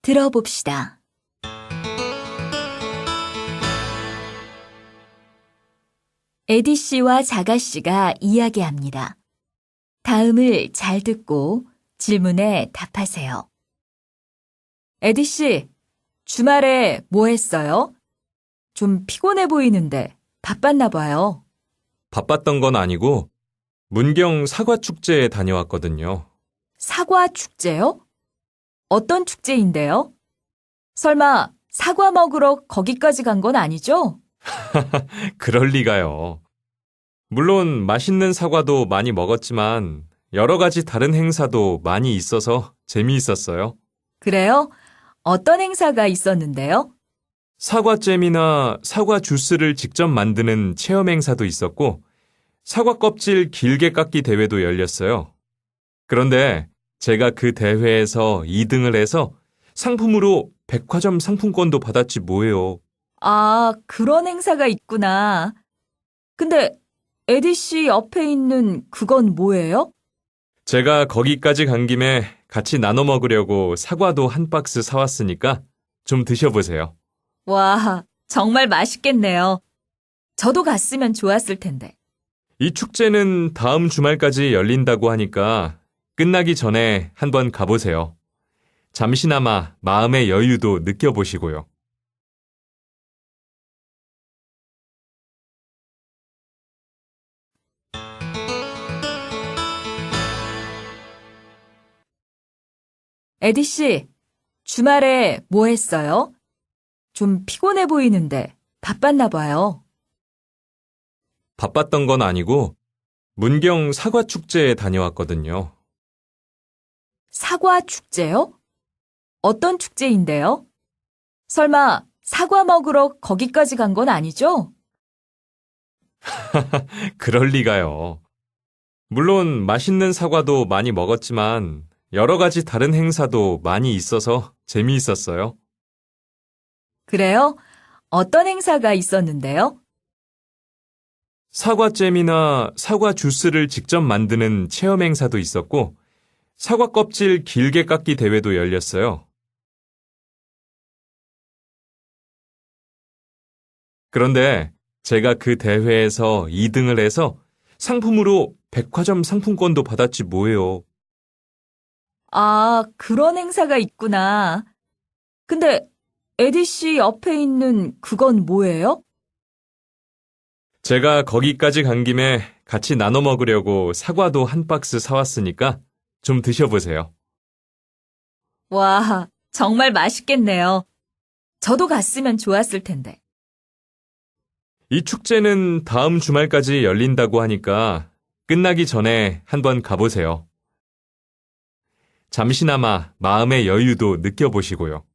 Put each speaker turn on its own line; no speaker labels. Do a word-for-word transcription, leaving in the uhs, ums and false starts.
들어봅시다. 에디 씨와 자가 씨가 이야기합니다. 다음을 잘 듣고 질문에 답하세요. 에디 씨, 주말에 뭐 했어요? 좀 피곤해 보이는데 바빴나 봐요.
바빴던 건 아니고 문경 사과축제에 다녀왔거든요.
사과 축제요? 어떤 축제인데요? 설마 사과 먹으러 거기까지 간 건 아니죠?
그럴 리가요. 물론 맛있는 사과도 많이 먹었지만 여러 가지 다른 행사도 많이 있어서 재미있었어요.
그래요? 어떤 행사가 있었는데요?
사과잼이나 사과 주스를 직접 만드는 체험 행사도 있었고 사과 껍질 길게 깎기 대회도 열렸어요. 그런데 제가 그 대회에서 이 등을 해서 상품으로 백화점 상품권도 받았지 뭐예요.
아, 그런 행사가 있구나. 근데 에디 씨 옆에 있는 그건 뭐예요?
제가 거기까지 간 김에 같이 나눠 먹으려고 사과도 한 박스 사왔으니까 좀 드셔보세요.
와, 정말 맛있겠네요. 저도 갔으면 좋았을 텐데.
이 축제는 다음 주말까지 열린다고 하니까 끝나기 전에 한번 가보세요. 잠시나마 마음의 여유도 느껴보시고요.
에디 씨, 주말에 뭐 했어요? 좀 피곤해 보이는데 바빴나 봐요.
바빴던 건 아니고 문경 사과축제에 다녀왔거든요.
사과 축제요? 어떤 축제인데요? 설마 사과 먹으러 거기까지 간 건 아니죠?
그럴 리가요. 물론 맛있는 사과도 많이 먹었지만 여러 가지 다른 행사도 많이 있어서 재미있었어요.
그래요? 어떤 행사가 있었는데요?
사과잼이나 사과 주스를 직접 만드는 체험 행사도 있었고 사과 껍질 길게 깎기 대회도 열렸어요. 그런데 제가 그 대회에서 이 등을 해서 상품으로 백화점 상품권도 받았지 뭐예요.
아, 그런 행사가 있구나. 근데 에디 씨 옆에 있는 그건 뭐예요?
제가 거기까지 간 김에 같이 나눠 먹으려고 사과도 한 박스 사왔으니까 좀 드셔보세요.
와, 정말 맛있겠네요. 저도 갔으면 좋았을 텐데.
이 축제는 다음 주말까지 열린다고 하니까 끝나기 전에 한번 가보세요. 잠시나마 마음의 여유도 느껴보시고요.